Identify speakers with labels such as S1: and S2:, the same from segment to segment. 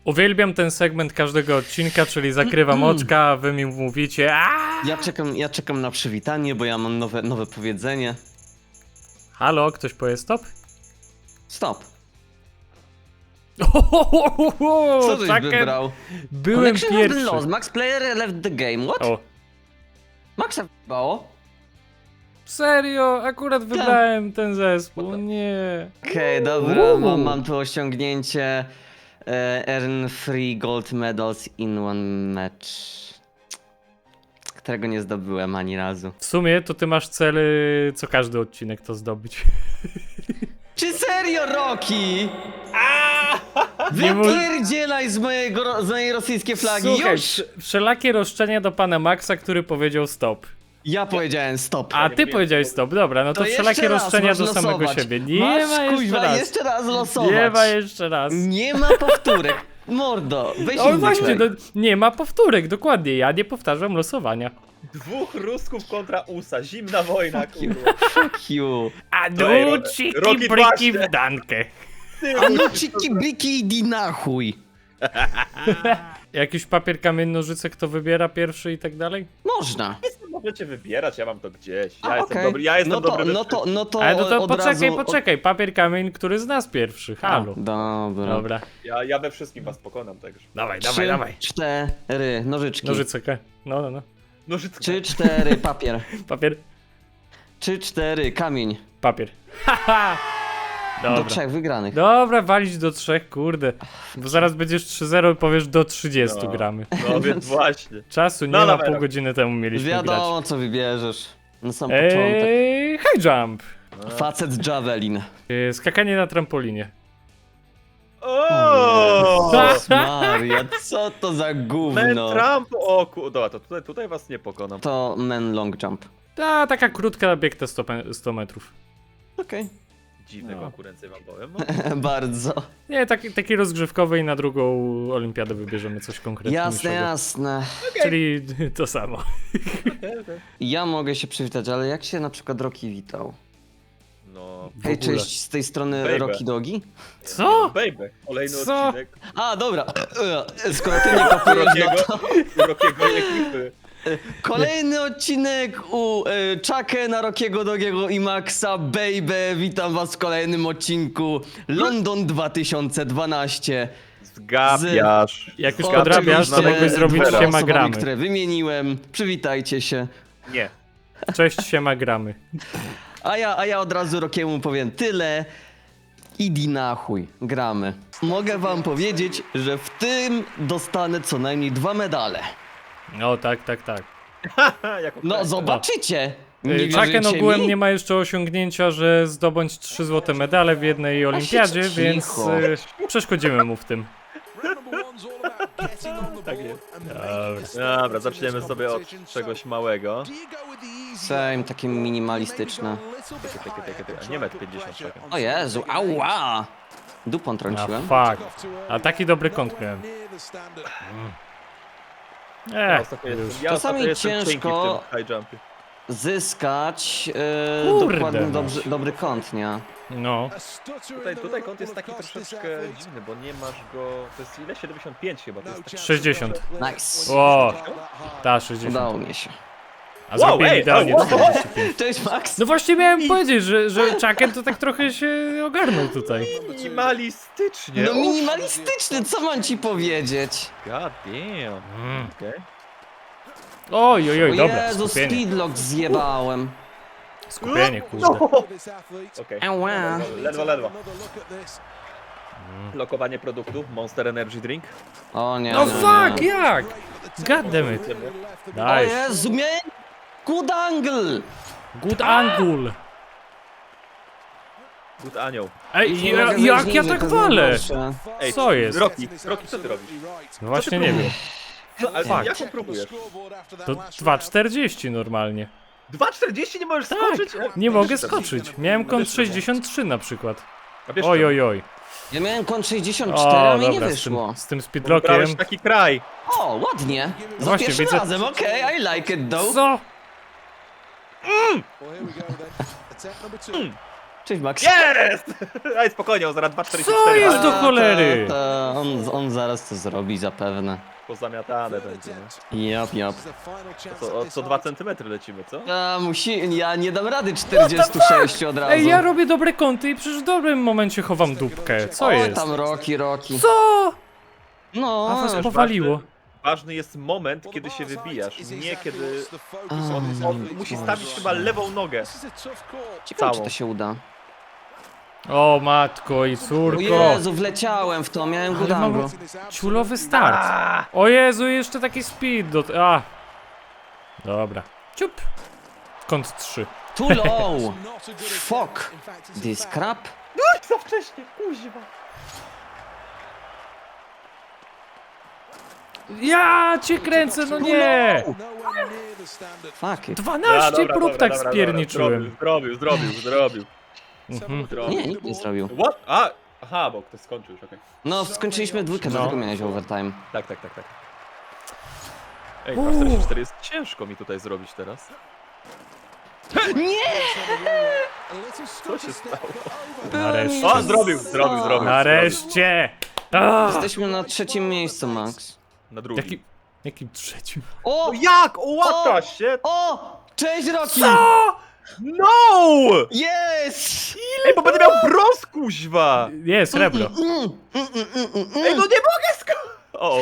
S1: Uwielbiam ten segment każdego odcinka, czyli zakrywam oczka, a wy mi mówicie
S2: Ja czekam na przywitanie, bo ja mam nowe powiedzenie.
S1: Halo, ktoś powie stop?
S2: Stop.
S1: Co
S2: Co żeś wybrał?
S1: Byłem
S2: Collection of the
S1: pierwszy.
S2: lost. Max player left the game. What?
S1: O,
S2: Maxa wybało?
S1: serio? Akurat wybrałem ten zespół, nie.
S2: Okej, dobra, mam tu osiągnięcie. Earn 3 gold medals in one match. Którego nie zdobyłem ani razu.
S1: W sumie to ty masz cel, co każdy odcinek to zdobyć.
S2: Czy serio, Rocky?
S1: Nie mów-
S2: Wypierdzielaj z mojej rosyjskiej flagi,
S1: Słuchaj,
S2: już!
S1: wszelakie roszczenia do pana Maxa, który powiedział stop.
S2: Ja powiedziałem stop.
S1: A ty powiedziałeś stop, dobra, no to
S2: jeszcze
S1: wszelakie
S2: raz
S1: roszczenia
S2: masz
S1: do samego
S2: losować.
S1: siebie. Nie
S2: Masz,
S1: ma jeszcze
S2: kuźwa,
S1: raz.
S2: jeszcze raz losować.
S1: Nie ma jeszcze raz.
S2: Nie ma powtórek. Mordo, weź
S1: O
S2: inny
S1: właśnie,
S2: kraj.
S1: nie ma powtórek, dokładnie, ja nie powtarzam losowania.
S3: Dwóch Rusków kontra USA, zimna wojna,
S2: Fuck you.
S3: kurwa.
S2: Fuck you.
S1: A
S3: Ej,
S1: duciki
S3: Rocky
S1: bryki
S3: właśnie.
S1: w dankę.
S2: A no ciki bliki idi na chuj.
S1: Jakiś papier, kamień, nożyce, kto wybiera pierwszy i tak dalej?
S2: Można.
S3: Możecie wybierać, ja mam to gdzieś.
S2: A,
S3: Ja jestem
S2: okej.
S3: dobry, ja jestem dobry.
S2: No to
S1: Ale no to
S2: od
S1: poczekaj,
S2: razu...
S1: poczekaj, papier, kamień, który z nas pierwszy, halo.
S2: Dobra.
S1: Dobra,
S3: Ja we wszystkim was pokonam także.
S1: dawaj,
S2: 3,
S1: dawaj.
S2: 4, nożyczki.
S1: Nożyce, no.
S3: Nożycka.
S2: 3, 4, papier.
S1: Papier,
S2: 3, 4, kamień.
S1: papier. Haha!
S2: Do
S1: Dobra.
S2: 3 wygranych.
S1: Dobra, walić do 3, kurde. Bo zaraz będziesz 3-0 i powiesz do 30
S3: No.
S1: gramy.
S3: No więc właśnie.
S1: Czasu nie
S3: No
S1: ma,
S3: dawaj,
S1: pół
S3: dawaj.
S1: godziny temu mieliśmy grać.
S2: Wiadomo co wybierzesz. Na sam początek.
S1: High jump.
S2: Facet javelin.
S1: Skakanie na trampolinie.
S3: O!
S2: Jezus Maria, co to za
S3: Men
S2: gówno?
S3: Trump, o dobra, to tutaj was nie pokonam.
S2: To men long jump.
S1: Taka krótka bieg te 100 metrów.
S2: Okej.
S3: Dziwne
S1: No.
S3: konkurencje wam powiem.
S2: Bardzo.
S1: Nie, taki rozgrzewkowy i na drugą olimpiadę wybierzemy coś konkretniejszego.
S2: Jasne.
S1: Czyli to samo.
S2: Ja mogę się przywitać, ale jak się na przykład Rocky witał?
S3: No,
S2: Hej,
S1: ogóle.
S2: cześć, z tej strony
S3: Baby.
S2: Rocky Dogi?
S1: Co?
S3: baby, kolejny
S1: Co?
S3: odcinek
S2: A, dobra. Skoro ty nie kopujesz, no to...
S3: Rockiego ekipy.
S2: Kolejny odcinek u Chucka, na Rockiego Dogiego i Maxa. Baby, witam was w kolejnym odcinku London 2012.
S3: Zgapiasz.
S1: Jak już
S2: O,
S1: podrabiasz, to
S2: oczywiście
S1: mogłeś zrobić
S2: dwoma
S1: siema
S2: osobami,
S1: gramy.
S2: które wymieniłem. Przywitajcie się.
S3: Nie.
S1: Cześć, siema gramy.
S2: A ja od razu Rockiemu powiem tyle. Idi na chuj, gramy. Mogę wam powiedzieć, że w tym dostanę co najmniej 2 medale.
S1: No tak.
S3: Jako
S2: No zobaczycie. Nie
S1: Chucken
S2: wierzycie
S1: ogółem
S2: mi?
S1: nie ma jeszcze osiągnięcia, że zdobądź 3 złote medale w jednej olimpiadzie,
S2: cicho.
S1: więc przeszkodzimy mu w tym.
S3: Tak jest. Dobra, zaczniemy sobie od czegoś małego.
S2: Same, takie minimalistyczne.
S3: Takie. Nie 1,50 sekund.
S2: O Jezu, ała! Dupą
S1: A
S2: trąciłem.
S1: fuck. A taki dobry kąt miałem.
S3: Ja ostatnio
S2: Czasami
S3: ostatnio jestem cienki
S2: ciężko-
S3: w tym high jumpie.
S2: Zyskać
S1: Kurde,
S2: dokładny,
S1: no.
S2: dobry kąt, nie?
S1: No.
S3: Tutaj kąt jest taki troszeczkę dziwny, bo nie masz go... To jest ile? 75 chyba. To jest taki...
S1: 60.
S2: Nice.
S1: O, ta 60.
S2: Udało mi się.
S1: A zrobiłem
S3: ej,
S1: idealnie
S3: wow.
S1: 45.
S2: Cześć Max!
S1: No właśnie miałem powiedzieć, że Chucken to tak trochę się ogarnął tutaj.
S3: Minimalistycznie.
S2: No minimalistyczny, co mam ci powiedzieć?
S3: God damn. Okej.
S1: Oj,
S2: O
S1: dobra,
S2: Jezu,
S1: skupienie.
S2: speedlock zjebałem.
S1: Skupienie, kurde.
S3: Okej.
S2: Ała.
S3: Ledwo. Lokowanie produktu, Monster Energy Drink.
S2: O nie,
S1: No
S2: nie,
S1: fuck,
S2: nie.
S1: jak? God damn it.
S2: O
S1: Daj,
S2: Jezu, miałem good angle!
S1: good angle.
S3: Good anioł.
S1: Ej,
S2: Nie mogę wejść
S1: jak ja
S2: niżej,
S1: tak
S2: to
S1: walę?
S2: najgorsze.
S3: Ej,
S1: Co jest?
S3: Rocky, co ty robisz?
S1: No właśnie nie wiem.
S3: No, ale
S1: Fuck.
S3: jaką próbujesz?
S1: To 2,40 normalnie.
S3: 2,40 nie możesz
S1: Tak,
S3: skoczyć?
S1: nie mogę skoczyć. Miałem kąt 63 na przykład.
S3: A wiesz
S1: Oj.
S2: Ja miałem kąt 64, a mi nie wyszło.
S1: z tym
S3: co?
S1: speedlockiem.
S3: Wybrałeś taki kraj.
S2: O, ładnie. Za
S1: Właśnie,
S2: pierwszym
S1: widzę-
S2: razem, okej, I like it though.
S1: Co?
S2: Cześć, Max.
S3: Jest! Ej, spokojnie, on zaraz 2,44.
S1: Co jest do cholery?
S2: On zaraz to zrobi zapewne.
S3: Pozamiatane będzie, no.
S2: Jap.
S3: Co 2 cm lecimy, co?
S2: Ja nie dam rady 46 od razu.
S1: Ej, ja robię dobre kąty i przecież w dobrym momencie chowam dupkę. Co
S2: O,
S1: jest?
S2: tam Rocky.
S1: Co?
S2: No,
S1: A was
S3: Wiesz,
S1: powaliło.
S3: Ważny jest moment, kiedy się wybijasz, nie kiedy... On musi stawić chyba lewą nogę.
S2: ciekawe czy
S3: całą.
S2: to się uda.
S1: O matko i
S2: O
S1: córko.
S2: Jezu, wleciałem w to, miałem
S1: Ale mam
S2: gudango.
S1: ciulowy start. O Jezu, jeszcze taki speed A. Dobra. Ciup. Kąt 3.
S2: Too low. Fuck. This crap.
S3: Za wcześnie, kuźwa.
S1: Ja cię kręcę, no nie!
S2: Fuck it.
S1: 12 prób tak spierniczyłem.
S3: Zrobił.
S2: Nie, nikt nie zrobił.
S3: What? Aha, bo ktoś skończył już, okej.
S2: No, skończyliśmy dwójkę,
S1: No.
S2: dlatego miałeś overtime.
S3: Tak. Ej, 2,44 jest ciężko mi tutaj zrobić teraz. Co się stało?
S1: Nareszcie.
S3: O, zrobił.
S1: Nareszcie! Ah!
S2: Jesteśmy na trzecim miejscu, Max.
S3: Na drugim.
S1: Jakim trzecim?
S2: O!
S3: Jak? O, what the shit?
S2: O! Cześć, Rocky!
S3: No!
S2: Yes!
S3: Ej, bo będę miał brąz, kuźwa!
S1: Nie, srebro.
S3: Ej, no nie mogę O.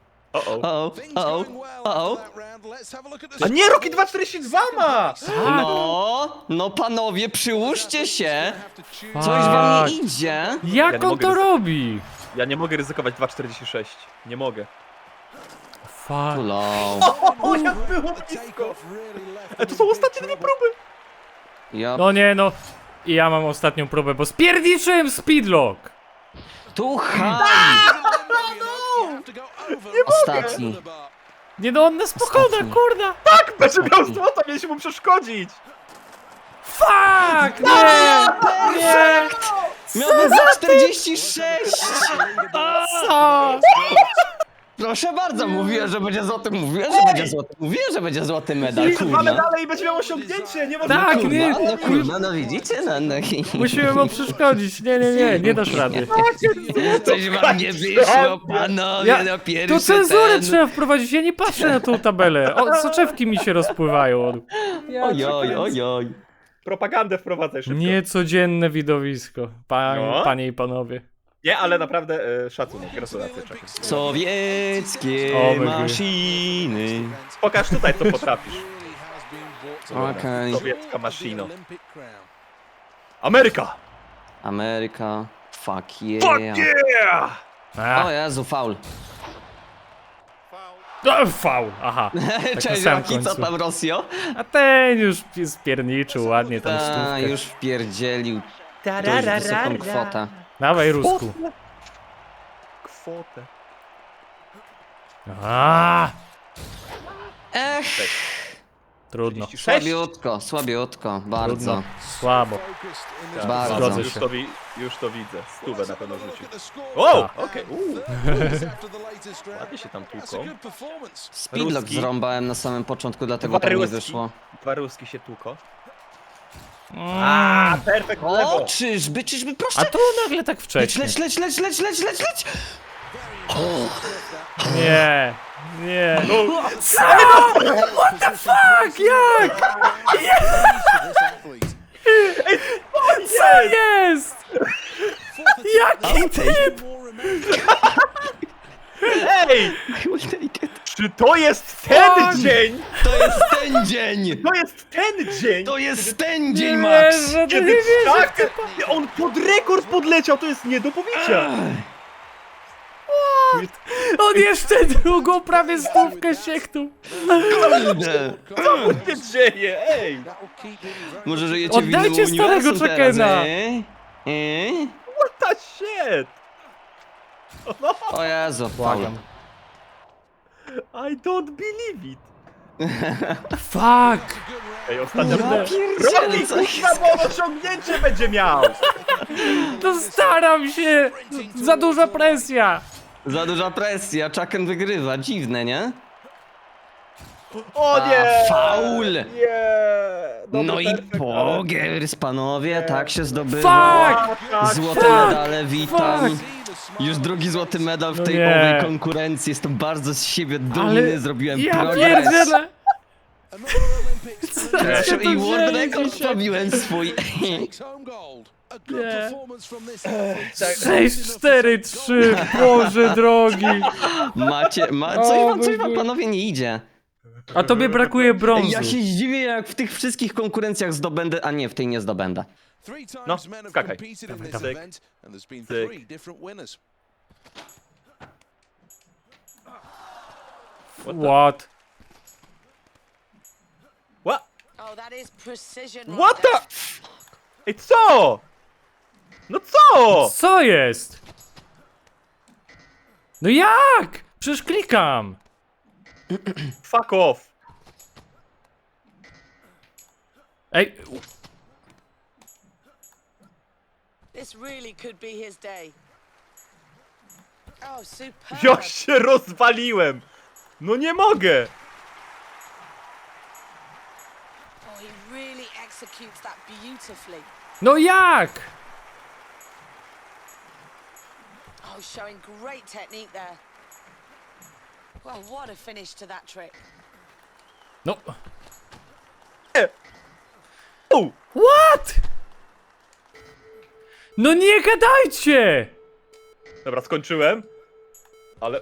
S2: O!
S3: A nie, Rocky 2,42 ma!
S2: No panowie, przyłóżcie się! Coś wam nie idzie?
S3: Ja
S1: Jak
S3: nie
S1: on
S3: mogę
S1: to robi?
S3: Ja nie mogę ryzykować 2,46. Nie mogę.
S1: Fuck.
S2: Low.
S3: O, jak było blisko! Ej, to są ostatnie 2 próby!
S2: Ja
S1: No nie, no. I ja mam ostatnią próbę, bo spierniczyłem speedlock.
S2: tu haj! Ostatni.
S1: Nie no, on nas pokona,
S2: Ostatni.
S1: kurda.
S3: Tak, będzie miał złota, mieliśmy mu przeszkodzić!
S1: Fuck! Nie! Nie!
S2: Miałbym za 46!
S1: Co?
S2: Proszę bardzo, mówiłem, że będzie złoty, mówiłem, że będzie złoty medal,
S3: Mamy
S2: kurwa.
S3: dalej i będzie miał osiągnięcie, nie ma
S1: Tak,
S3: kurwa.
S1: nie.
S2: No kurwa, no widzicie, no.
S1: Musimy mu przeszkodzić. Nie dasz rady.
S2: Coś wam nie wyszło, panowie,
S1: Ja-
S2: no
S1: To
S2: pierwszy
S1: cenzurę
S2: ten.
S1: trzeba wprowadzić, ja nie patrzę na tą tabelę. O, soczewki mi się rozpływają.
S2: Ojoj.
S3: Propagandę wprowadzaj szybko.
S1: Niecodzienne widowisko,
S3: No.
S1: panie i panowie.
S3: Nie, ale naprawdę szacunek, gratulacje, czekaj.
S2: Sowieckie
S1: O, my
S2: maszyny.
S3: Pokaż tutaj, co potrafisz.
S2: Okej.
S3: Sowiecka maszyno. Ameryka!
S2: Ameryka. Fuck yeah.
S3: Fuck yeah!
S1: A,
S2: O Jezu, faul.
S1: faul, aha. Tak na
S2: Cześć,
S1: samym
S2: Rocky, co
S1: końcu.
S2: tam, Rosjo?
S1: A ten już spierniczył ładnie tam
S2: A,
S1: stówkę.
S2: już wpierdzielił dość wysoką kwotę.
S1: Dawaj, Rusku.
S3: Kwotę.
S1: A,
S2: Ech,
S1: trudno.
S3: 36?
S2: słabiutko, bardzo.
S1: Trudno. Słabo.
S2: Bardzo.
S1: Zgodzę
S3: Już
S1: się.
S3: już to widzę. Stówę na pewno rzucił. O!
S1: Tak.
S3: Okej, Ładnie się tam tłuką.
S2: Speedlock
S3: Ruski.
S2: zrąbałem na samym początku, dlatego tak nie
S3: Ruski.
S2: wyszło.
S3: 2 ruski się tłuko.
S1: Mm.
S3: Perfekt
S2: O,
S3: lewo!
S2: czyżby,
S1: A
S2: proszę!
S1: tu nagle tak
S2: Leć,
S1: wcześnie.
S2: leć!
S1: Nie. Nie.
S3: No,
S1: What the fuck? Jak? Co jest? Jaki typ?
S3: ej! Czy to jest ten
S1: Fuck!
S3: dzień?
S2: To jest ten dzień!
S3: To jest ten dzień!
S2: To jest ten dzień,
S1: Nie
S2: Max!
S1: wierzę, to nie
S3: Kiedy
S1: wierzę.
S3: tak, on pod rekord podleciał, to jest nie do pobicia!
S1: On jeszcze drugą prawie stówkę sieknął.
S2: Kurde.
S3: Co się dzieje, ej!
S2: Może żyjecie w
S1: Oddajcie
S2: innym
S1: starego
S2: uniwersum teraz,
S1: Chuckena.
S3: What the shit?
S2: O Jezu,
S1: Błagam.
S3: I don't believe it!
S1: Fuck.
S3: Ej, ostatnio...
S2: Ja pierdzielę,
S3: Rocky,
S2: co jest?
S3: kurwa, bo on osiągnięcie będzie miał!
S1: To staram się. Za duża presja.
S2: Za duża presja, Chucken wygrywa, dziwne, nie?
S3: O nie!
S2: Faul!
S3: Nie!
S2: No i
S3: perfekt,
S2: pogers, panowie, tak się zdobywa.
S1: Fuck!
S2: Złote medale, witam.
S1: Fuck!
S2: Już drugi złoty medal w tej
S1: nie.
S2: owej konkurencji. Jestem bardzo z siebie dumny, zrobiłem
S1: ja
S2: progres.
S1: pierdzielę!
S2: Proszę,
S1: to
S2: i world
S1: wzięli
S2: record
S1: dzisiaj.
S2: pobiłem swój.
S1: 6-4-3, Boże drogi!
S2: Coś wam panowie nie idzie.
S1: A tobie brakuje brązu.
S2: Ja się zdziwię, jak w tych wszystkich konkurencjach zdobędę, a nie, w tej nie zdobędę.
S3: No, skakaj.
S1: dawaj. What?
S3: What?
S4: Oh, that is precision.
S3: What the? Ej, co? No co?
S1: Co jest? No jak? Przecież klikam.
S3: Fuck off.
S1: Ej,
S4: This really could be his day. Oh, superb.
S3: Ja się rozwaliłem. No nie mogę.
S4: Oh, he really executes that beautifully.
S1: no jak?
S4: Oh, showing great technique there. Well, what a finish to that trick.
S1: No.
S3: U.
S1: What? No nie gadajcie!
S3: Dobra, skończyłem. Ale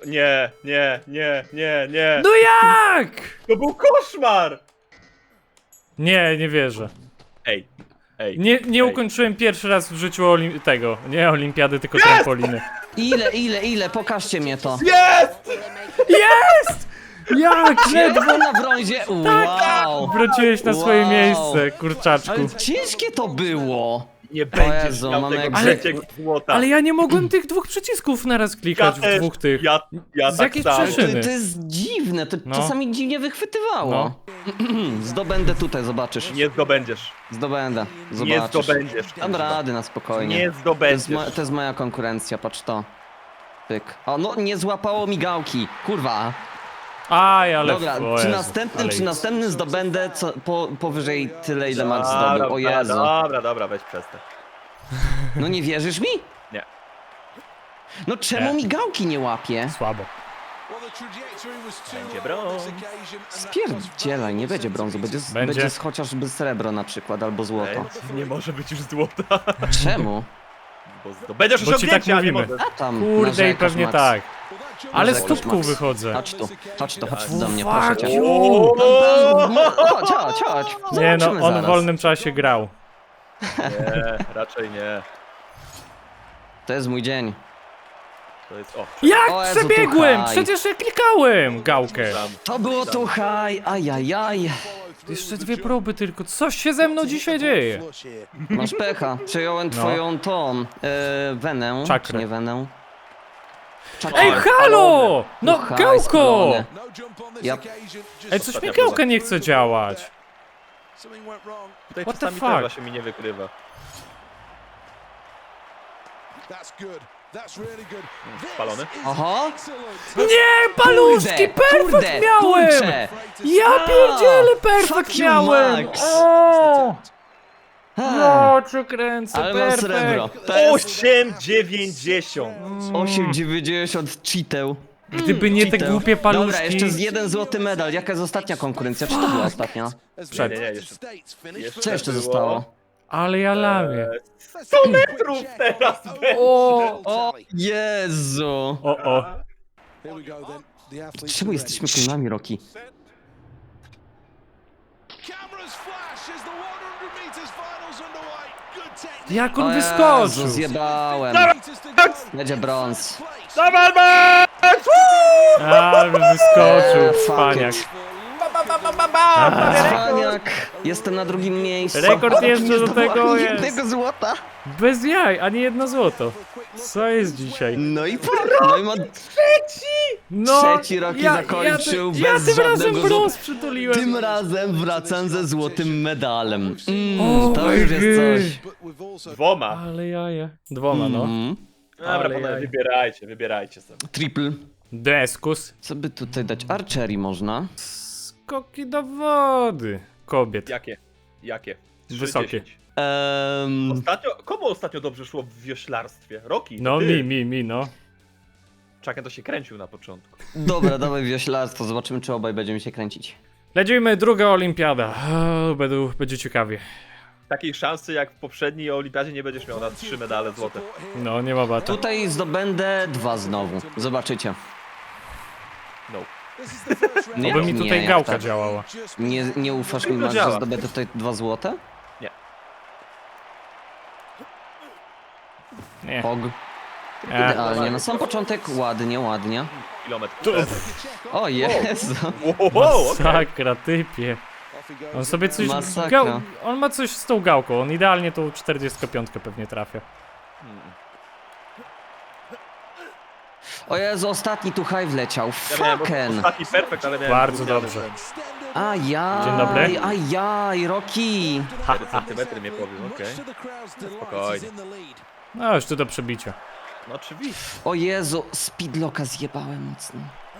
S3: nie.
S1: No jak?
S3: To był koszmar.
S1: Nie wierzę.
S3: Ej.
S1: Nie
S3: Ej.
S1: ukończyłem pierwszy raz w życiu nie olimpiady, tylko trampoliny.
S2: Ile? Pokażcie mnie to.
S3: Jest!
S4: Will they make it?
S1: Jest! Jak?
S2: Ledwo na brązie, wow.
S1: Wróciłeś na swoje
S2: Wow.
S1: miejsce, kurczaczku.
S2: Ale ciężkie to było.
S3: Nie będziesz
S2: Jezu,
S3: miał
S2: mamy
S3: tego
S2: jak-
S3: trzeciego złota.
S1: Ale ja nie mogłem tych dwóch przycisków naraz klikać, w dwóch tych.
S3: Ja
S1: Z
S3: tak
S1: jakiej
S3: samo.
S1: przyczyny?
S2: To jest dziwne, to
S1: No.
S2: czasami dziwnie wychwytywało. Zdobędę tutaj, zobaczysz.
S3: Nie zdobędziesz.
S2: Zdobędę,
S3: Nie
S2: zobaczysz.
S3: zdobędziesz.
S2: Dam rady na spokojnie.
S3: Nie
S2: To
S3: zdobędziesz.
S2: jest moja konkurencja, patrz to. Pyk. O, no nie złapało migałki. Kurwa.
S1: Aj, ale...
S2: Dobra,
S1: o
S2: przy
S1: Jezu,
S2: następnym,
S1: ale-
S2: przy następnym zdobędę powyżej tyle, ile Max zdobył. O Jezu.
S3: Dobra, weź przestań.
S2: No nie wierzysz mi?
S3: Nie.
S2: No czemu
S1: Nie.
S2: migałki nie łapie?
S1: Słabo.
S3: Będzie brąz.
S2: Spierdzielaj, nie będzie brązu, będzie
S1: Będzie.
S2: chociażby srebro na przykład, albo złoto.
S3: Nie może być już złota.
S2: Czemu?
S3: Bo zdobędziesz
S1: Bo ci tak
S3: osiągnięcie, a nie
S1: mówimy.
S3: możesz.
S2: A tam
S1: Kurde, i
S2: narzekasz,
S1: pewnie
S2: Max.
S1: tak. Ale z
S2: Narzekasz,
S1: tubką
S2: Max.
S1: wychodzę.
S2: Chodź tu do mnie, proszę
S1: Fuck
S2: cię.
S1: you!
S2: Chodź.
S1: Nie no,
S2: Zobaczymy
S1: on w
S2: zaraz.
S1: wolnym czasie grał.
S3: Nie, raczej nie.
S2: To jest mój dzień.
S3: To jest... O,
S1: Jak
S2: O Jezu,
S1: przebiegłem?
S2: tu haj.
S1: Przecież ja klikałem gałkę.
S2: To było tu haj, ajajaj.
S1: Jeszcze dwie próby tylko. Coś się ze mną dzisiaj dzieje.
S2: Masz pecha. Przejąłem twoją tą, wenę.
S1: Czakrę.
S2: Czy nie wenę?
S1: Ej, halo! No,
S2: Haj,
S1: gałko!
S2: spalone. Ja-
S1: Ej, coś mi gałka nie chce działać.
S3: tutaj
S1: What the
S3: czasami
S1: fuck?
S3: też właśnie mi nie wykrywa. Spalony?
S2: Oho.
S1: Nie, paluszki, perfekt miałem!
S2: kurczę.
S1: Ja pierdzielę, perfekt
S2: Fuck you,
S1: miałem!
S2: Max.
S1: O! No, cię kręcę,
S2: Ale mam srebro.
S1: perfekt.
S2: To jest
S3: 8,90.
S2: 8,90 cheateł.
S1: Gdyby nie te
S2: Cheateł.
S1: głupie paluszki...
S2: Dobra, jeszcze z jeden złoty medal. Jaka jest ostatnia konkurencja? Czy to była ostatnia?
S1: Przed.
S3: Nie, jeszcze
S2: Co jeszcze
S3: było.
S2: zostało?
S1: Ale ja lamię.
S3: 100 metrów teraz będzie.
S2: O Jezu!
S1: O.
S2: Czemu jesteśmy klonami, Rocky?
S1: Jak on
S2: O Jezu,
S1: wyskoczył?
S2: zjebałem. Będzie brąz.
S3: Dawaj, Max!
S1: A, wyskoczył,
S2: fuck
S1: cwaniak.
S2: it. Cwaniak. Jestem na drugim miejscu.
S1: Rekord jeszcze
S2: Nie
S1: do tego
S2: zdobyłem
S1: jest.
S2: jednego złota.
S1: Bez jaj, ani jedno złoto. Co jest dzisiaj?
S2: No i ma
S1: No,
S2: trzeci Rocky zakończył
S1: ja
S2: bez
S1: tym razem
S2: żadnego
S1: brąz
S2: Tym
S1: przytuliłem.
S2: razem wracam ze złotym medalem.
S1: O
S2: To
S1: my
S2: już jest coś.
S3: Dwoma.
S1: Ale jaja. Dwoma, no.
S3: Dobra,
S1: Ale
S3: panowie,
S1: jaj.
S3: wybierajcie sobie.
S2: Triple.
S1: Deskus.
S2: Co by tutaj dać? Archery można.
S1: Skoki do wody. Kobiet.
S3: Jakie? Jakie?
S1: Wysokie.
S3: 3,10. Komu ostatnio dobrze szło w wioślarstwie? Rocky?
S1: No
S3: ty.
S1: mi, no.
S3: Chucken to się kręcił na początku.
S2: Dobra, dawaj wioślarstwo, zobaczymy czy obaj będziemy się kręcić.
S1: Lecimy, druga olimpiada. Będzie ciekawie.
S3: Takiej szansy jak w poprzedniej olimpiadzie nie będziesz miał na 3 medale złote.
S1: No, nie ma bata.
S2: Tutaj zdobędę 2 znowu, zobaczycie.
S3: No.
S2: Nie,
S1: Oby mi
S2: nie,
S1: tutaj
S2: jak
S1: gałka
S2: tak?
S1: działała.
S2: Nie ufasz mi,
S3: Tylko
S2: Max, że
S3: działa.
S2: zdobędę tutaj 2 złote?
S1: Nie.
S2: Pog. Idealnie, na sam początek ładnie.
S3: Kilometr.
S2: O Jezu.
S3: Wow, okej.
S1: Masakra, typie. On sobie coś...
S2: Masakra.
S1: On ma coś z tą gałką, on idealnie tą 45 pewnie trafia.
S2: O Jezu, ostatni tu high wleciał.
S3: Ja miałem
S2: Fucken.
S3: ostatni perfekt, ale miałem
S1: Bardzo
S3: gówniany
S1: dobrze.
S3: ten.
S2: Ajaj,
S1: Dzień dobry.
S2: ajaj, Rocky.
S3: 4 centymetry mnie powiem, okej. Spokojnie.
S1: No, już tu do przebicia.
S3: No oczywiście.
S2: O Jezu, speedlocka zjebałem mocno.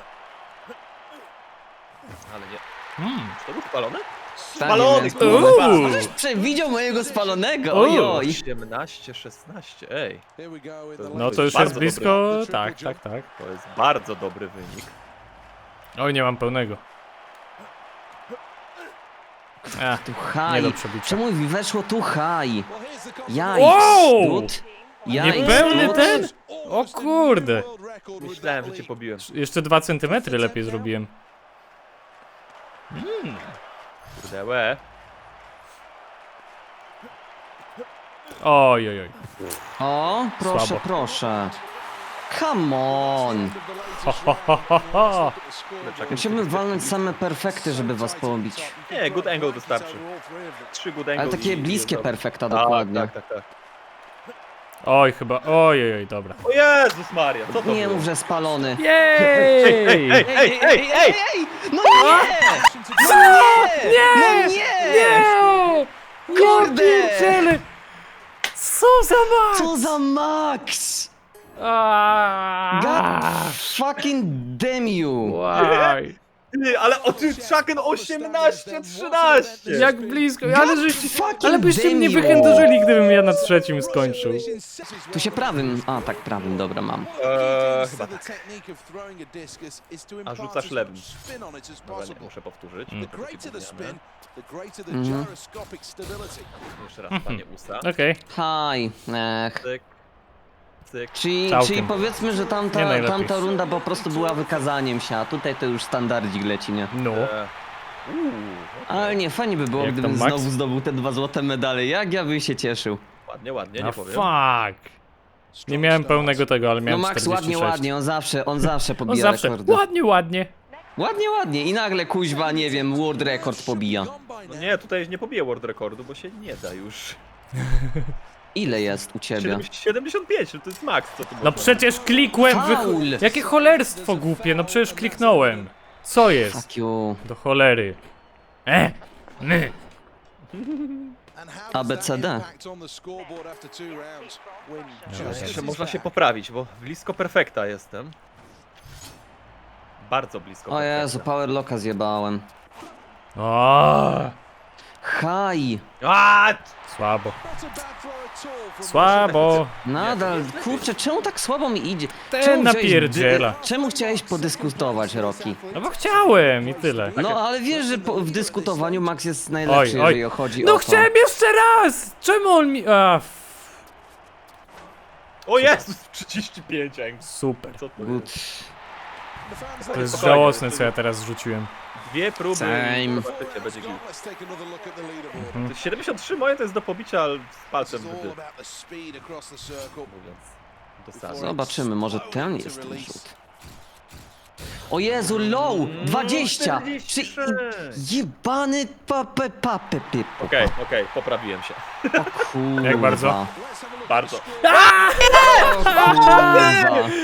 S3: Ale nie. Czy to był spalony?
S2: Tak,
S3: Spalony,
S2: jest.
S3: kurwa!
S2: Ależ przewidział mojego spalonego, ojoj.
S3: 18, 16, ej.
S1: No to już jest
S3: bardzo
S1: blisko... Tak.
S3: To jest bardzo dobry wynik.
S1: Oj, nie mam pełnego.
S2: Tu
S1: Nie do
S2: high.
S1: przebicia.
S2: Czemu mi weszło tu high? Jaj,
S1: Wow!
S2: stud. Jaj,
S1: Niepełny
S2: stud.
S1: ten? O kurde.
S3: Myślałem, że cię pobiłem.
S1: Jeszcze 2 centymetry lepiej zrobiłem.
S3: Kurde, łe.
S1: Oj.
S2: O, proszę,
S1: Słabo.
S2: proszę. Come on.
S1: Ho.
S2: Musimy walnąć same perfekty, żeby was pobić.
S3: Nie, good angle wystarczy. 3 good angle.
S2: Ale takie
S3: i-
S2: bliskie
S3: i-
S2: perfekta
S3: Tak,
S2: dokładnie.
S3: tak.
S1: Oj, chyba. Oj, dobra.
S3: O Jezus Maria, co to
S2: Nie
S3: było?
S2: mów, że spalony.
S1: Jej!
S3: Ej!
S2: No nie! No nie!
S1: Nie!
S2: Kurde!
S1: Pierdziele! Co za max!
S2: Co za Max! God fucking damn you!
S1: Łaj.
S3: Ty, ale o ty Chucken 18, 13!
S1: Jak blisko,
S2: fucking
S1: ale byście mnie
S2: damn you.
S1: wychędożyli, gdybym ja na trzecim skończył.
S2: Tu się prawym... A, tak, prawym, dobra, mam.
S3: Chyba tak.
S5: A rzucasz lewym.
S3: Dobra, nie muszę powtórzyć. Jeszcze raz, panie usta.
S1: Okej.
S2: Haj,
S3: Cyk, cyk.
S2: Czyli
S1: Całkiem.
S2: powiedzmy, że
S1: Nie najlepiej.
S2: tamta runda po prostu była wykazaniem się, a tutaj to już standardzik leci, nie?
S1: No.
S2: Ale nie, fajnie by było,
S1: Jak
S2: gdybym
S1: tam Max?
S2: znowu zdobył te 2 złote medale. Jak ja bym się cieszył.
S3: Ładnie,
S1: A
S3: nie powiem.
S1: fuck. Nie miałem pełnego tego, ale
S2: No
S1: miałem
S2: Max,
S1: 46.
S2: ładnie, on zawsze
S1: On
S2: pobija
S1: zawsze.
S2: rekordy.
S1: Ładnie.
S2: Ładnie i nagle kuźwa, nie wiem, world record pobija.
S3: No nie, tutaj nie pobiję world rekordu, bo się nie da już.
S2: Ile jest u ciebie?
S3: 75, to jest max, co tu
S1: No
S3: można.
S1: przecież klikłem
S2: Faul!
S1: Jakie cholerstwo głupie, no przecież kliknąłem. Co jest?
S2: Fuck you.
S1: Do cholery. My.
S5: ABCD.
S3: Jeszcze można się poprawić, bo blisko perfekta jestem. Bardzo blisko
S2: O
S3: perfekta.
S2: Jezu, powerlocka zjebałem.
S1: O,
S2: Haj!
S1: słabo. Słabo.
S2: Nadal, kurczę, czemu tak słabo mi idzie?
S1: Ten
S2: Czemu chciałeś
S1: napierdziela.
S2: Czemu chciałeś podyskutować, Rocky?
S1: No bo chciałem i tyle.
S2: No, ale wiesz, że w dyskutowaniu Max jest najlepszy,
S1: Oj.
S2: jeżeli chodzi
S1: No
S2: o to.
S1: chciałem jeszcze raz! Czemu on mi...
S3: O Jezus, 35 ang.
S1: Super.
S3: Co to
S2: Good.
S3: jest?
S1: To jest
S3: Spokojnie,
S1: żałosne,
S3: to
S1: co ja teraz rzuciłem.
S3: 2 próby
S2: Same.
S3: i zobaczycie, będzie git. To jest 73 moje to jest do pobicia z palcem w dół, mówiąc dosadnie.
S2: Zobaczymy, może ten jest ten rzut. O Jezu, low! 20! Czy...
S3: 46.
S2: Jebany papę.
S3: Okej, poprawiłem się.
S2: O kurwa.
S1: Jak bardzo?
S3: Bardzo.
S2: O kurwa.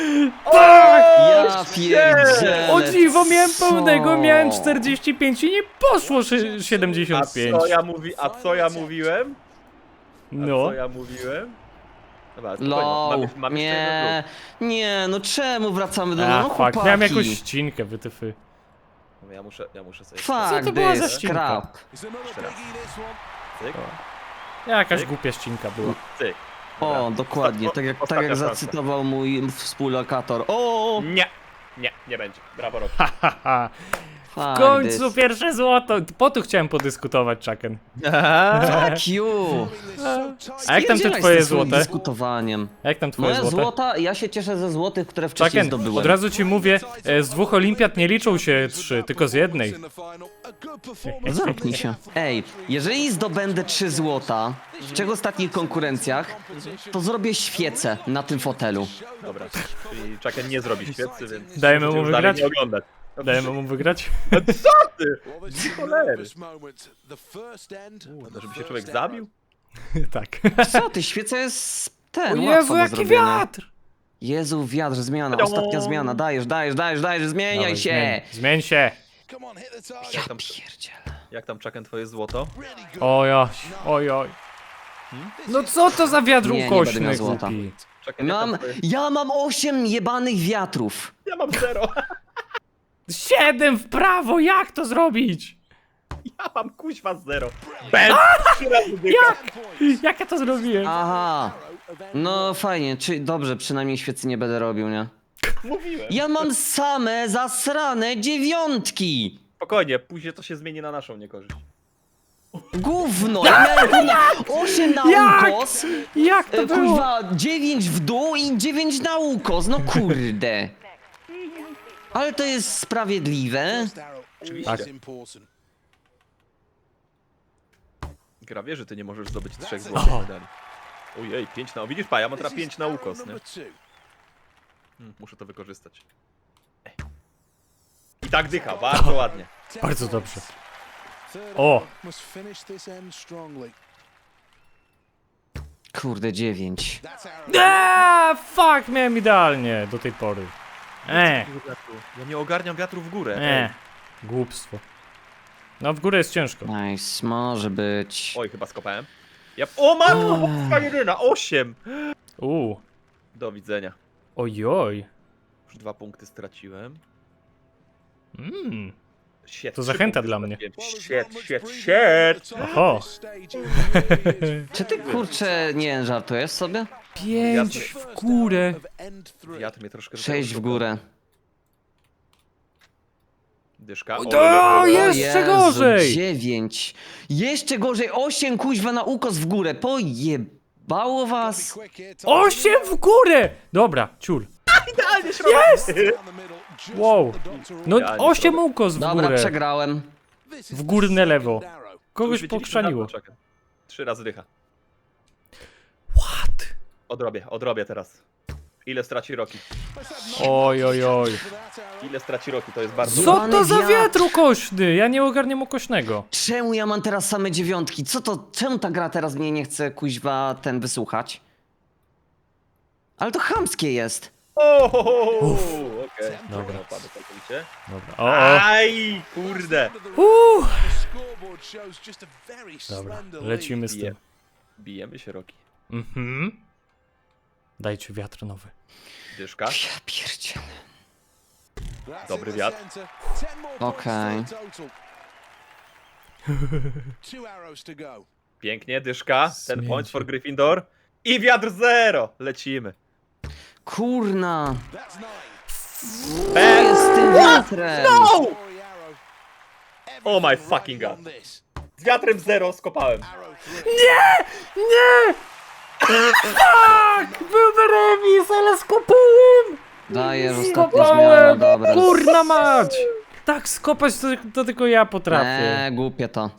S2: Ja pierdzielę.
S1: O dziwo, miałem
S2: co?
S1: pełnego, miałem 45 i nie poszło 75.
S3: A co ja mówiłem?
S1: No.
S3: Co ja mówiłem? Dobra, spokojnie,
S2: Low.
S3: mam jeszcze jeden
S2: Nie, no czemu wracamy do
S1: A,
S2: no
S1: fuck,
S2: chłopaki?
S1: miałem jakąś ścinkę, wytyfy.
S3: próg. Ja muszę sobie...
S1: Co
S2: Fuck
S1: to była za
S2: this,
S1: ścinka?
S2: crap.
S3: Jeszcze raz. Cyk,
S1: Jakaś
S3: Cyk.
S1: głupia ścinka była.
S3: cyk.
S2: O, dokładnie, tak jak
S3: Ostatnia szansa.
S2: zacytował mój współlokator. O,
S3: Nie będzie. Brawo, Rocky.
S1: Haha. W
S2: fuck
S1: końcu
S2: this.
S1: pierwsze złoto. Po to chciałem podyskutować, Chucken.
S2: Fuck you!
S1: A jak tam te
S2: Spierdzielaj z
S1: twoje
S2: tym swoim
S1: złote?
S2: dyskutowaniem.
S1: A jak tam twoje
S2: Moje
S1: złote?
S2: złota, ja się cieszę ze złotych, które wcześniej
S1: Chucken,
S2: zdobyłem.
S1: od razu ci mówię, z 2 olimpiad nie liczą się 3, tylko z jednej.
S2: Zamknij się. Ej, jeżeli zdobędę 3 złota, z czego w ostatnich konkurencjach, to zrobię świecę na tym fotelu.
S3: Dobra, czyli Chucken nie zrobi świecy, więc...
S1: Dajemy mu
S3: możecie już dalej
S1: wygrać?
S3: nie oglądać.
S1: Dajemy mu wygrać?
S3: Co ty? Cholery. Żeby się człowiek zabił?
S1: Tak.
S2: Co ty, świeca jest
S1: O
S2: ten,
S1: Jezu,
S2: łatwo do
S1: jaki
S2: zrobienia.
S1: wiatr!
S2: Jezu, wiatr, zmiana, ostatnia zmiana, dajesz, zmieniaj
S1: Dawaj,
S2: się!
S1: Zmień się!
S2: Ja
S3: tam-
S2: pierdzielę.
S3: Jak tam Chucken twoje złoto?
S1: Ojoj, ojoj. No co to za wiatr
S2: Nie, nie będę miał
S1: ukośny,
S2: złota.
S1: głupi?
S3: Chucken, jak tam twoje...
S2: Ja mam 8 jebanych wiatrów.
S3: Ja mam 0.
S1: 7 w prawo, jak to zrobić?
S3: Ja mam kuźwa 0. Ben! 3 razy dycha.
S1: Jak ja to zrobiłem?
S2: Aha. No fajnie, dobrze, przynajmniej świecy nie będę robił, nie?
S3: Mówiłem.
S2: Ja mam same zasrane 9.
S3: Spokojnie, później to się zmieni na naszą niekorzyść.
S2: Gówno, ja miałem kurwa 8 na
S1: Jak?
S2: ukos,
S1: Jak to było?
S2: kurwa 9 w dół i 9 na ukos, no kurde. Ale to jest sprawiedliwe.
S3: Oczywiście.
S1: Tak.
S3: Gra wie, że ty nie możesz zdobyć 3
S1: O.
S3: złotych medali. Ojej, 5 na... Widzisz, ja mam teraz 5 na ukos, nie? Muszę to wykorzystać. I tak dycha, bardzo ładnie.
S1: Bardzo dobrze. O!
S2: Kurde, 9.
S1: Fuck, miałem idealnie do tej pory.
S3: Ja nie ogarniam wiatru w górę.
S1: Głupstwo. No w górę jest ciężko.
S2: Nice, może być.
S3: Oj, chyba skopałem. O matko, jedyna, 8! Do widzenia.
S1: Ojoj.
S3: Już 2 punkty straciłem. Shit,
S1: To
S3: 3
S1: zachęta
S3: punkty
S1: dla mnie.
S3: straciłem. Shit.
S1: Oho.
S2: Czy ty kurczę, nie żartujesz sobie?
S1: 5 w górę.
S3: Wiatr mnie troszkę...
S2: 6 w górę.
S3: Dyszka.
S1: O, jeszcze gorzej.
S2: 9. Jeszcze gorzej, 8 kuźwa na ukos w górę. Pojebało was.
S1: 8 w górę! Dobra, ciul.
S3: Idealnie
S1: Jest! Wow. No
S3: Ja nie
S1: 8
S3: zrobię.
S1: ukos w
S2: Dobra,
S1: górę.
S2: przegrałem.
S1: W górne lewo. Kogoś pokrzaniło.
S3: 3 razy dycha.
S1: What?
S3: Odrobię teraz. Ile straci Rocky?
S1: Oj, oj, oj.
S3: Ile straci Rocky? To jest bardzo...
S1: Co to za
S2: wiatr.
S1: wiatr ukośny? Ja nie ogarniam ukośnego.
S2: Czemu ja mam teraz same 9? Czemu ta gra teraz mnie nie chce kuźwa wysłuchać? Ale to chamskie jest.
S3: Okej.
S1: Dobra.
S3: Opadł całkowicie.
S1: Dobra. O.
S3: Aj, kurde.
S1: Dobra, lecimy z tym.
S3: Bijemy się, Rocky.
S1: Dajcie wiatr nowy.
S3: Dyszka.
S2: Ja pierdzielę.
S3: Dobry wiatr.
S2: Okej.
S3: Pięknie, dyszka. Ten
S1: Zmień
S3: point
S1: się.
S3: for Gryffindor. I wiatr 0. Lecimy.
S2: Kurna. Co
S3: Ben.
S2: jest z tym wiatrem?
S3: Oh my fucking god. Z wiatrem 0 skopałem.
S1: Nie! Tak! Był remis, ale skopałem!
S2: Dajesz ostatnia zmiana, dobra.
S1: Kurna mać! Tak skopać to tylko ja potrafię.
S2: Głupie to.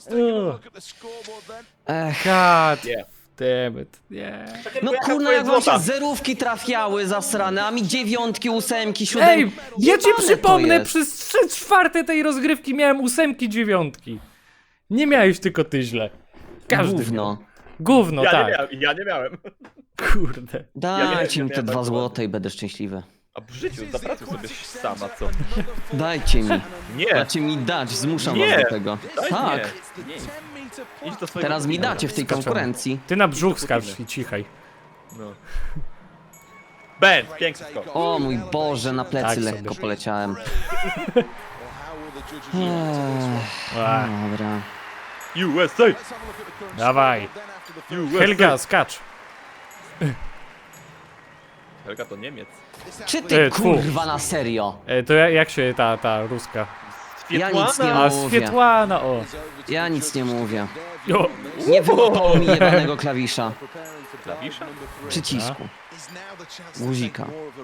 S2: Ech.
S1: God
S3: Nie.
S1: damn it. Nie.
S2: No
S3: Jaka
S2: kurna,
S3: twoja
S2: jak wam się
S3: złota?
S2: zerówki trafiały zasrane, a mi 9, 8, 7.
S1: Ej, ja ci
S2: Jebane to
S1: przypomnę,
S2: jest.
S1: przez 3/4 tej rozgrywki miałem 8, 9. Nie miałeś tylko ty źle. Każdy
S2: Gówno.
S1: miał. Gówno,
S3: Ja
S1: tak.
S3: nie miałem, ja nie miałem.
S1: Kurde.
S2: Dajcie
S3: ja
S2: mi te
S3: miałem
S2: 2
S3: bardzo
S2: złote i będę szczęśliwy.
S3: A w życiu zapracuj sobie sama, co?
S2: Dajcie mi.
S3: Nie.
S2: Macie mi dać, zmuszam
S3: Nie.
S2: was do tego.
S3: Daj
S2: Tak,
S3: Nie. Idź do swojego...
S2: teraz mi dacie w tej
S1: Skaczemy.
S2: konkurencji.
S1: Ty na brzuch skacz i cichaj.
S3: No. Ben, piękny skok.
S2: O mój Boże, na plecy
S1: Tak
S2: lekko
S1: sobie.
S2: poleciałem.
S1: Ach,
S2: Dobra.
S3: USA!
S1: Dawaj. Helga, skacz.
S3: Helga to Niemiec.
S2: Czy ty
S1: Tfu.
S2: kurwa na serio?
S1: To jak się ta ruska?
S2: Ja nic nie
S1: A,
S2: mówię.
S1: Swietłana, o.
S2: Ja nic nie mówię.
S1: O.
S2: Nie wyłapało mi jebanego klawisza.
S3: Klawisza?
S2: Przycisku. Guzika.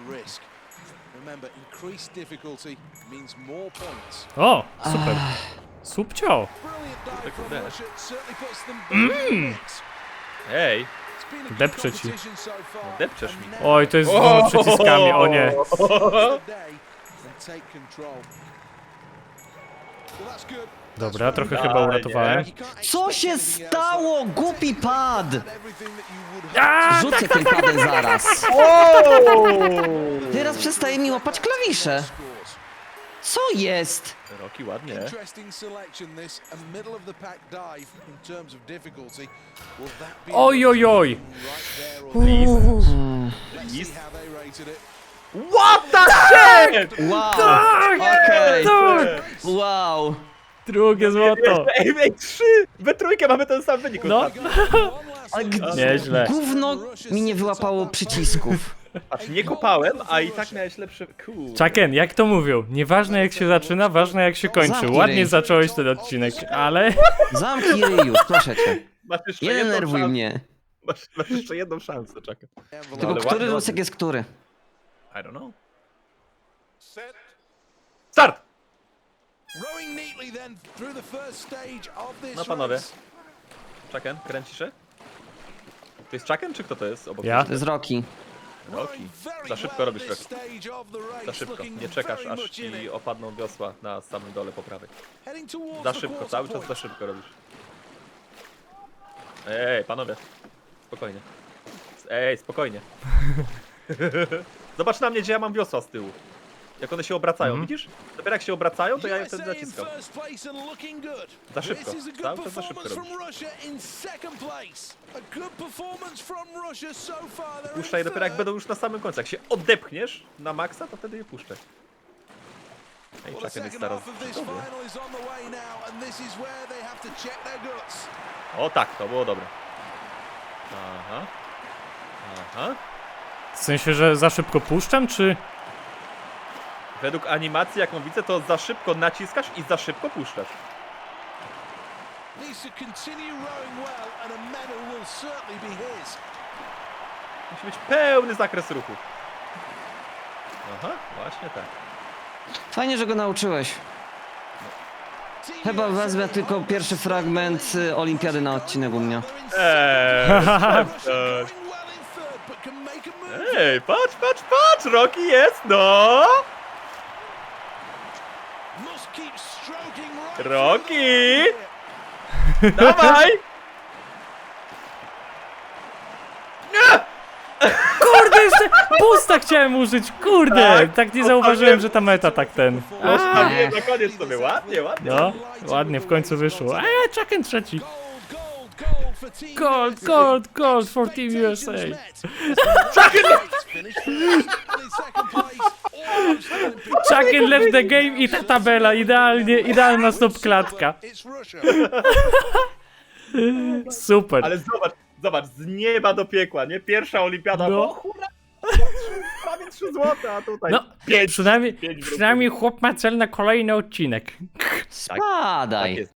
S1: O, super. Subcio.
S3: Ej,
S1: Depczę ci.
S3: depczesz mi.
S1: Oj, to jest z przyciskami, o nie. Dobra, trochę chyba
S3: Dalej,
S1: uratowałem.
S2: Co się stało? Głupi pad!
S1: A,
S2: Rzucę tym padem zaraz. Teraz przestaje mi łapać klawisze. Co jest?
S3: Roki ładnie.
S1: oj, oj, oj.
S3: List. What the shit!
S2: Wow,
S1: Tak,
S2: okej.
S1: tak.
S2: Wow.
S1: Drugie złoto.
S3: Ej, 3! We trójkę mamy ten sam wynik.
S1: No,
S2: Ale
S1: nieźle.
S2: gówno mi nie wyłapało przycisków.
S3: Patrz, nie kopałem, a i tak miałeś lepsze... Kurde.
S1: Chucken, jak to mówią? Nieważne jak się zaczyna, ważne jak się kończy.
S2: Zamknij
S1: Ładnie
S2: ryj.
S1: zacząłeś ten odcinek, ale...
S2: Zamknij ryj już, proszę cię.
S3: Masz jeszcze
S2: Nie
S3: jedną
S2: denerwuj
S3: szansę.
S2: mnie.
S3: Masz jeszcze jedną szansę, czekaj.
S2: Tylko
S3: ale
S2: który
S3: ładnie.
S2: rusek jest który?
S3: I don't know. Start! No panowie. Chucken, kręcisz się? To jest Chucken, czy kto to jest obok?
S1: Ja?
S2: To jest Rocky.
S3: Roki. Za szybko robisz Roki. Za szybko. Nie czekasz, aż ci opadną wiosła na samym dole po prawej. Za szybko, cały czas za szybko robisz. Ej, panowie. Spokojnie. Ej, spokojnie. Zobacz na mnie, gdzie ja mam wiosła z tyłu. Jak one się obracają, widzisz? Dopiero jak się obracają, to ja je wtedy naciskam. Za szybko, cały czas za szybko robisz. Puszczaj dopiero jak będą już na samym końcu. Jak się odepchniesz na maksa, to wtedy je puszczaj. Ej, Chucken jest teraz przy tobie. O tak, to było dobre. Aha. Aha.
S1: W sensie, że za szybko puszczam, czy...
S3: Według animacji, jaką widzę, to za szybko naciskasz i za szybko puszczasz. Musi być pełny zakres ruchu. Aha, właśnie tak.
S2: Fajnie, że go nauczyłeś. Chyba wezmę tylko pierwszy fragment olimpiady na odcinek u mnie.
S3: Ej, patrz, patrz, patrz! Rocky jest, no! Rocky! Dawaj!
S1: Kurde, jeszcze boosta chciałem użyć, kurde!
S3: Tak,
S1: Tak nie zauważyłem, że ta meta tak ten...
S3: Zostawiłem na koniec sobie, ładnie, ładnie.
S1: No, ładnie, w końcu wyszło. Chucken trzeci. Gold, gold, gold for Team USA. Chucken left the game i ta tabela, idealnie, idealna stopklatka. Super.
S3: Ale zobacz, zobacz, z nieba do piekła, nie? Pierwsza olimpiada,
S1: No.
S3: o hura! Prawie 3 złote, a tutaj
S1: No,
S3: 5.
S1: przynajmniej chłop ma cel na kolejny odcinek.
S3: Tak
S2: Spadaj.
S3: jest.